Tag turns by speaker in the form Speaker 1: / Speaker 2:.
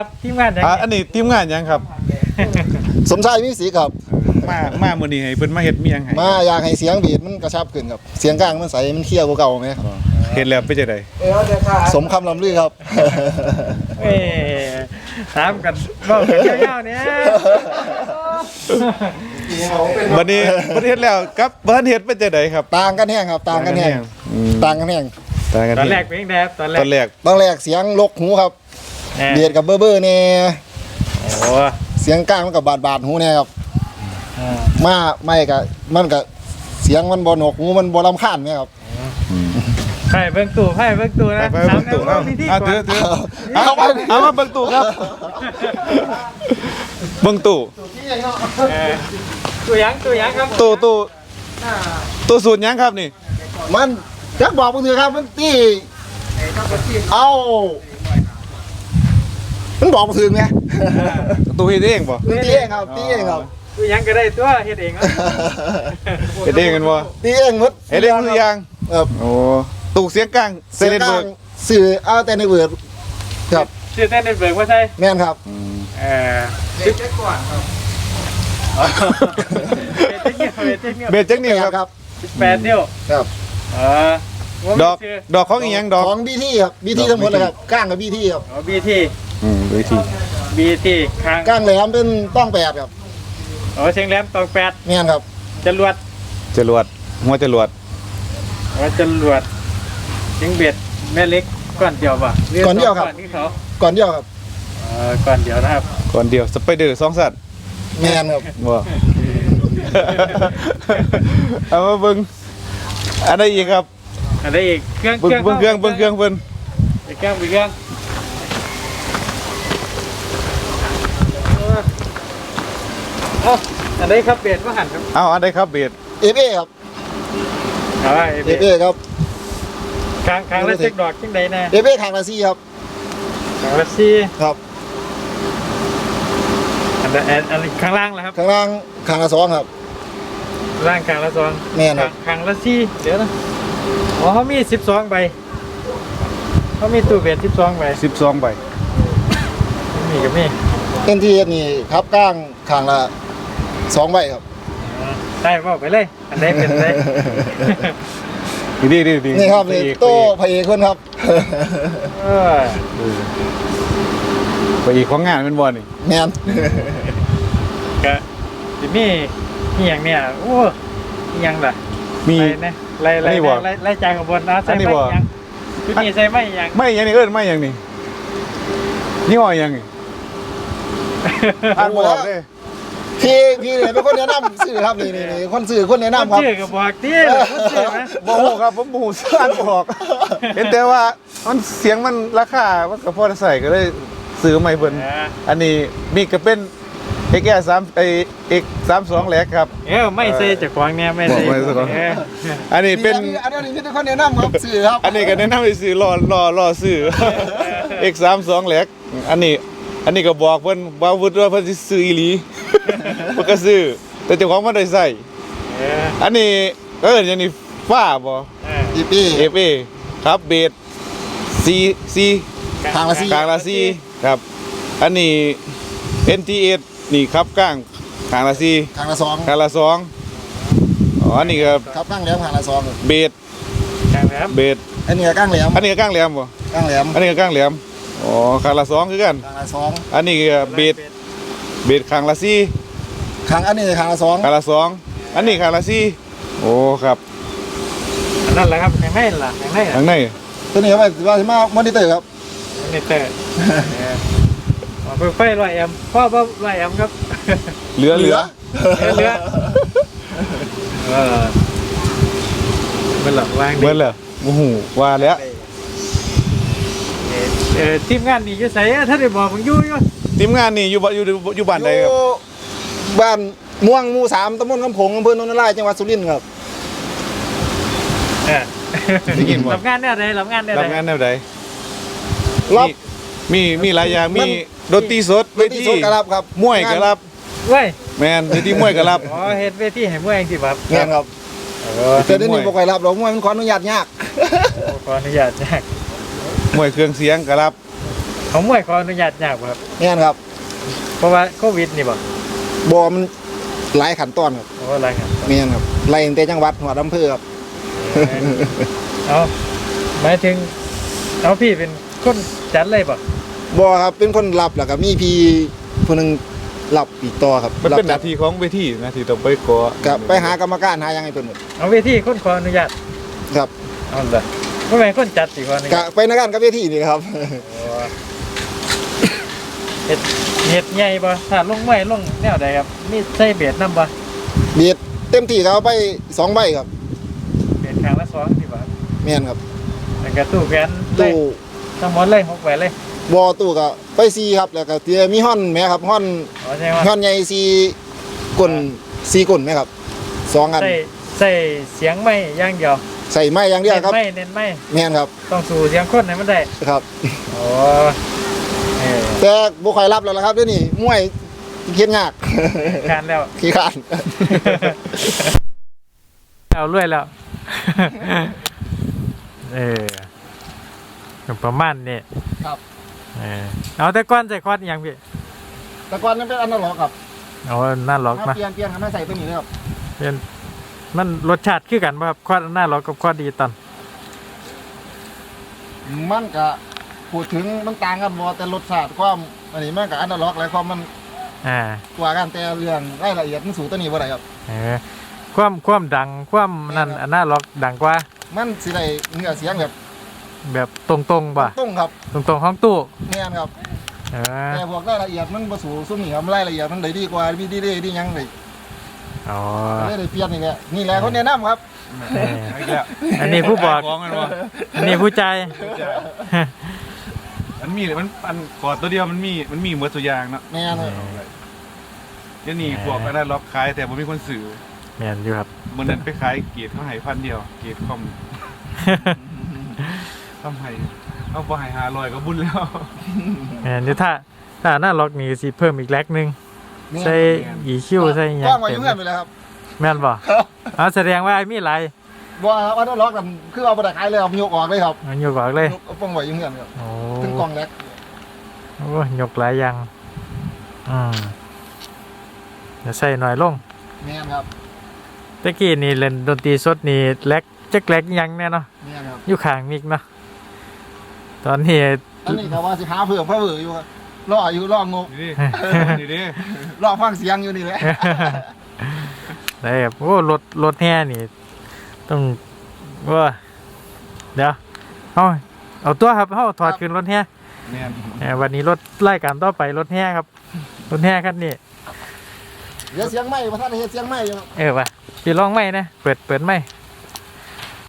Speaker 1: ทีมงานยัง
Speaker 2: อันนี้ทีมงานยังครับ
Speaker 3: สมชายมีสีครับ
Speaker 2: มามื้อนี้ให้เพิ่นมาเฮ็ดเมียงให้
Speaker 3: มาอยากให้เสียงบีดมันกระชับขึ้นครับเสียงกลางมันใสมันเคี้ยวกว่าเก่าไหม
Speaker 2: เฮ็ดแล้วเป็นจังได๋
Speaker 3: สมคำลำลือครับ
Speaker 1: เอ้ถามกันบอกกันยาวๆเนี่ย
Speaker 2: บัดนี้เฮ็ดแล้วกับบ่ทันเฮ็ดเป็นจังได๋ครับ
Speaker 3: ต่างกันแห้งครับต่างกันแห้งต่างกันแห้ง
Speaker 2: ต่างกัน
Speaker 1: ตอนแรกเป็นยังไงครับตอนแรก
Speaker 2: ตอนแรก
Speaker 3: ตอนแรกเสียงลกหูครับเบียดกับเบ้อๆเนี่ย
Speaker 1: โอ้
Speaker 3: เสียงกลางมันกับบาดหูเนี่ยครับมาไม่กับมันกับเสียงมันบ่หนวกหูมันบ่รำคาญเนี่ยครับ
Speaker 1: ไพ่เบิ้งตู่นะ
Speaker 2: ไปเบิ่งตู้เอา
Speaker 1: พิธี
Speaker 2: เอา
Speaker 1: ก่อน
Speaker 2: ถือเอามาเบิ่งตู้ครับเบิ่งตู้
Speaker 1: ตัวยังครับ
Speaker 2: ตู้สูตรยังครับนี่
Speaker 3: มันจักบอกมึงเถอะครับมันตีเอามันบอกมึงถึงไง
Speaker 2: ตู้เฮ็ดเองบ่
Speaker 3: มันตีเองครับตีเองครับ
Speaker 1: ตัวยังก็ได้ตัวเฮ็ดเองครับ
Speaker 2: เฮ็ดเองกันบ่
Speaker 3: ตีเองหมด
Speaker 2: เฮ็ดเองทุกอย่าง
Speaker 3: ครับ
Speaker 2: โอ้ตู้เสียงกลางเซ
Speaker 3: เสีย
Speaker 2: เล
Speaker 3: ง
Speaker 2: น
Speaker 3: กลา
Speaker 2: เบิ
Speaker 3: ง
Speaker 2: ร์ก
Speaker 3: สื่อเอาแต่ในเวิร์ดครับ
Speaker 1: ชื่อเต้นเบิกว่าใช่
Speaker 3: แม่นครับ
Speaker 1: เด็กก่อนครับเบสเทคนิค
Speaker 2: เบสจักนี่ครับ
Speaker 1: 8นิ้ว
Speaker 3: ครับ
Speaker 2: ดอกของอีหยังดอก
Speaker 3: ของบีทีครับบีทีทั้งหมดเลยครับก้างกับบีทีครับ
Speaker 1: อ๋อบีที
Speaker 2: วิธี
Speaker 1: บีข้าง
Speaker 3: ก้างแหลมเป็นต้องแปดครับ
Speaker 1: อ๋อเชียงแหลมตอง8
Speaker 3: แม่นครับ
Speaker 1: จรวด
Speaker 2: จรวดหัวจรวด
Speaker 1: อ๋อจรวดเชียงเบ็ดแม่เล็กก้อนเดียวป่ะก่อนที่เขา
Speaker 3: ก่อนเดียวครับ
Speaker 1: ก่อนเดียวนะครับ
Speaker 2: ก่อนเดียวสไปเดอร์2สัตว์
Speaker 3: แม่นครับ
Speaker 2: บ่เอามาเบิ่งอันใดอีกครับ
Speaker 1: อะไรอีกเครื่อง
Speaker 2: เบิ่งเครื่องเพิ่น
Speaker 1: เครื่องอันนี้ครับเบ็ดว่าหันครับ
Speaker 2: เอาอันใดครับเบส
Speaker 3: เอฟเอครับ
Speaker 1: เอาไว้
Speaker 3: เอฟเอครับ
Speaker 1: คางละเช็คดอกจังใดแน่
Speaker 3: เอฟเอทางละซีครับ
Speaker 1: คางละซี่
Speaker 3: ครับ
Speaker 1: อันข้างล่างแล้วครับ
Speaker 3: ข้างล่างข้างละสองครับ
Speaker 1: ล่างคางละ2
Speaker 3: แม่นครับ
Speaker 1: คางละซี่เดี๋ยวนะอ๋อเขามี12ใบเขามีตู้เบ็ด12ใบ
Speaker 2: 12ใบ
Speaker 1: มีกับมี
Speaker 3: เต็มที่นี่ครับก้างข้างละ2ใบครับ
Speaker 1: ได้บอกไปเลยอันไหนเป็นไร
Speaker 2: ดี
Speaker 3: นี่ครับนี่โต้พระเอกคนครับ
Speaker 1: เออ
Speaker 2: ไปอีกของงานเป็นบ่นี่
Speaker 3: แม่น
Speaker 1: ก็สิมีนี่อย่างเนี่ยโอ้นี่ยังล่ะ
Speaker 2: มี
Speaker 1: ไล่จางกับบนนะใส่ไม่ยังชุดนี้ใส่ไม่ยัง
Speaker 2: ไม่หยังนี่เอิ้นไม่หยังนี่นี่ห้อหยังนี่อ่านบ่ออกเด้
Speaker 3: พี่เนี่ยเป็นคนแนะนำสื่อครับนี่คนสื่อคนแนะนำครับ
Speaker 1: ชื่อกับบอกที่เลยชื่อไหม
Speaker 2: บ่ฮู้ครับผมบ่ฮู้ชื่ออ่านบ่ออกเห็นแต่ว่ามันเสียงมันราคามันก็พอได้ใส่ก็เลยซื้อใหม่เพิ่นอันนี้มีก็เป็น XR3 X32 แหลกครับ
Speaker 1: ไม่ใส่จากควางเนี่ยไม่ใส่
Speaker 2: อันนี้เป็น
Speaker 3: อันนี้เป็นคนแนะนำครับสื่อครับ
Speaker 2: อันนี้ก็แนะนำให้ซื้อรอซื้อ X32 แหลกอันนี้ก็บอกเพิ่นว่าวุฒิว่าเพิ่นสิซื้ออีหลี เพิ่นก็ซื้อแต่เจ้าของบ่ได้ใส่อันนี้ก็เอิ้นอย่างนี้ฟ้าบ่
Speaker 3: อีปี
Speaker 2: FA ครับเบส C
Speaker 3: ทางละซี
Speaker 2: กลางละซีครับ อันนี้ NT8 นี่ครับกลางกลางละซี
Speaker 3: ทางละสอง
Speaker 2: กลางละ2อ๋ออันนี้ครับ
Speaker 3: ครับก้างแหลมทางละสอง
Speaker 2: เบส
Speaker 1: กลางแหลม
Speaker 2: เบส
Speaker 3: อันนี้ก็ก้างแหลม
Speaker 2: อันนี้ก็กลางแหลมบ่
Speaker 3: ก้างแหลม
Speaker 2: อันนี้ก็กลางแหลมอ๋อกลางละ2คือกัน
Speaker 3: ทางละสอง
Speaker 2: อันนี้ก็เบสกลางละซี
Speaker 3: ทางอันนี้ทางละสอง
Speaker 2: กลางละ2อันนี้กลางละซีโอ้ครับ
Speaker 1: นั่นแหละครับข้างในล่ะข้างใน
Speaker 2: ข้างใน
Speaker 3: ตัวนี้ว่าจะมามอนิเตอร์ครับ
Speaker 1: นี่เตอร์ไฟ100 แอมป์พ่อ100 แอมป์ครับ
Speaker 2: เหลือ
Speaker 1: เรือมันหลับวาง
Speaker 2: เบิ่นแล้วโอ้โหว่าแล้ว
Speaker 1: ทีมงานนี่จะใส่ถ้าได้บอกผมอยู่
Speaker 2: ทีมงานนี่อยู่บ้านใดครับ
Speaker 3: อยู่บ้านม่วงหมู่3ตำบลคำผงอำเภอโนนทรายจังหวัดสุรินทร์ครับ
Speaker 1: รับงานเนี่ยใดรับงานเนี่ย
Speaker 2: รับงานแนวใด
Speaker 3: รับ
Speaker 2: มีหลายอย่างมีดนตรีสดเวที
Speaker 3: สดกระรับครับ
Speaker 2: มวยก็รับ
Speaker 1: เว้ย
Speaker 2: แม่นเวทีมวยก็รับ
Speaker 1: อ๋อเฮ็ดเวทีให้มวยเองสิครับ
Speaker 3: งานครับแต่เดี๋ยวนี้บ่ค่อยรับหรอกมวยมันขออนุญาตยาก
Speaker 1: ขออนุญาตแจก
Speaker 2: มวยเครื่องเสียงก็รับ
Speaker 1: ของมวยขออนุญาตยากบ่ครับ
Speaker 3: แม่นครับ
Speaker 1: เพราะว่าโควิดนี่บ่
Speaker 3: บ่มันหลายขั้นตอนครับ
Speaker 1: โอ้อะไรครับ
Speaker 3: แม่นครับไล่ตั้งแต่จังหวัดหัวอำเภอครับ
Speaker 1: เอาหมายถึงเอาพี่เป็นคนจัดเลยป่ะ
Speaker 3: บ่ครับเป็นคนรับแล้วก็มีพี่ผู้หนึงรับอีกต่อครับ
Speaker 2: มันเป็นห
Speaker 3: รั
Speaker 2: น้า
Speaker 3: บ
Speaker 2: ที่ของเวทีหน้าที่ต้องไปขอ
Speaker 3: ก็ไปหากรรมการหาหยังให้เพิ่นหมด
Speaker 1: เอาเวทีคนขออนุญาต
Speaker 3: ครับ
Speaker 1: เอาเลยไม่แม่นคนจัดสิขออนุ
Speaker 3: ก็
Speaker 1: ญาต
Speaker 3: ไปในการกับเวทีนี่ครับ
Speaker 1: โอ้เฮ็ดใหญ่ป่ะถ้าลงไม้ลงแนวใดครับมีใส่เบียดนำป่ะ
Speaker 3: เบียดเต็มที่ก็เอาไป2ใบครับ
Speaker 1: เบียดข้างละ2สิบ่ะ
Speaker 3: แม่นครับ
Speaker 1: แล้วก็ตู้แขวนเลย
Speaker 3: ตู้
Speaker 1: ทั้งหมดเลย6ใบเลย
Speaker 3: บ่ตู้ก็ไป4ครับแล้วก็เตียมีฮ้อนแม่ครับฮ้อน
Speaker 1: อ๋อใช่ว่า
Speaker 3: ฮ้อนใหญ่4ก้น4ก้นแม่ครับ2อัน
Speaker 1: ใส่เสียงไม้อย่างเดียว
Speaker 3: ใส่ไม้อย่างเดียวครับ
Speaker 1: เน้นไม้
Speaker 3: แม่นครับ
Speaker 1: ต้องสู่เสียงคนให้มันได้
Speaker 3: ครับ
Speaker 1: โอ้เออ
Speaker 3: แต่บ่ค่อยรับแล้วล่ะครับเดี๋ยวนี้มวยเฮ็ดยาก
Speaker 1: การแล้ว
Speaker 3: ขี้ข้าน
Speaker 1: เอาเรื่อยแล้ว เออประมาณนี้
Speaker 3: ครับ
Speaker 1: เออเอาแต่ก้อนใส่คอดอหย่างพี่
Speaker 3: แต่ก่อนนั้นเป็นอนาล็อกครับ
Speaker 1: เอาหน้าล็อก
Speaker 3: มา
Speaker 1: มา
Speaker 3: เปลี่ยนให้มาใส่ตัวนี้เลยครับ
Speaker 1: เป็นมันรสชาติคือกันป่ะครับคอดหน้าล็อกกับคอดดิจิตอล
Speaker 3: มันก็พูดถึงมันต่างกันบ่แต่รสชาติความอันนี้มันก็อนาล็อกและความมัน
Speaker 1: อ่าก
Speaker 3: ว่ากันแต่เรื่องรายละเอียดมันสู่ตัวนี้บ่ได้ครับ
Speaker 1: เออความดังความนั่นหน้าล็อกดังกว่า
Speaker 3: มันสิได้เนื้อเสียงแบบ
Speaker 1: แบบตรงๆป่ะ
Speaker 3: ตรงครับ
Speaker 1: ตรงๆห้องตู้
Speaker 3: แม่นครับ
Speaker 1: เออ
Speaker 3: แต่พวกรายละเอียดมันบ่สู่ซุ่มนี่ครับรายละเอียดมันได้ดีกว่ามีดีดีหยังได้
Speaker 1: อ๋อ
Speaker 3: ได้เปลี่ยนนี่แหละนี่แหละคนแนะนำครับ
Speaker 1: เออ
Speaker 2: อีกแล้ว
Speaker 1: อันนี้ผู้บอก
Speaker 2: ของมันวะ
Speaker 1: อันนี้ผู้ใจาย
Speaker 2: มันอันกอดตัวเดียวมันมีหมดตัวอย่างเนาะ
Speaker 3: แม่นครับ
Speaker 2: เดี๋ยวนี้พวกอันนั้นล็อกขายแต่บ่มีคนซื้อ
Speaker 1: แม่นอยู่ครับ
Speaker 2: มื้อนั้นไปขายเกียรติเขาให้1,000เดียวเกียรติคอมทำให้เอาบ่ให้500ก็บุญแล้ว
Speaker 1: แม่นอยู่ถ้าหน้าล็อกนี่สิเพิ่มอีกแลกหนึงใส่อีคิวใส่หยั
Speaker 3: ก
Speaker 1: ง
Speaker 3: ว้างไว้อ
Speaker 1: เต็ม
Speaker 3: ยู่เงื่อนไปเลยครับ
Speaker 1: แม่นบ่อ๋อแสดงว่าไอ้มีหลาย
Speaker 3: บ่ครับอนาล็อกกันคือเอาบ่ได้ขายเลยครับยกออกเลยครับ
Speaker 1: มันยกออกเลย
Speaker 3: ยกเอาป้องไว้อยู่เงื่อนครับ
Speaker 1: โอ้
Speaker 3: ถึงกล่องแรก
Speaker 1: โอ้ยกหลายอย่างเดี๋ยวใส่หน่อยลง
Speaker 3: แม่นครับ
Speaker 1: ตะกี้นี่เล่นดนตรีสดนี่แลกจักแลกยังแน่เนาะ
Speaker 3: แม่นครับ
Speaker 1: อยู่ข้างมิกเนาะตอนนี้
Speaker 3: อันนี้ก็ว่าสิหาเพิ่มเพิ่มอยู่ครับรออยู่รองบ
Speaker 2: นี่ดิ
Speaker 3: รอฟังเสียงอยู่นี่แหละ
Speaker 1: ได้ครับโอ้รถแห่นี่ต้องว่าเดี๋ยวเอาตัวครับเอาถอดขึ้นรถแห่
Speaker 2: แม่น
Speaker 1: วันนี้รถไล่การต่อไปรถแห่ครับรถแห่คันนี้
Speaker 3: เดี๋ยวเสียงไหม้ประธานเฮ็ดเสียงไหม้อยู่ครับ
Speaker 1: ว่ะพี่ลองไหมนะเปิดไหม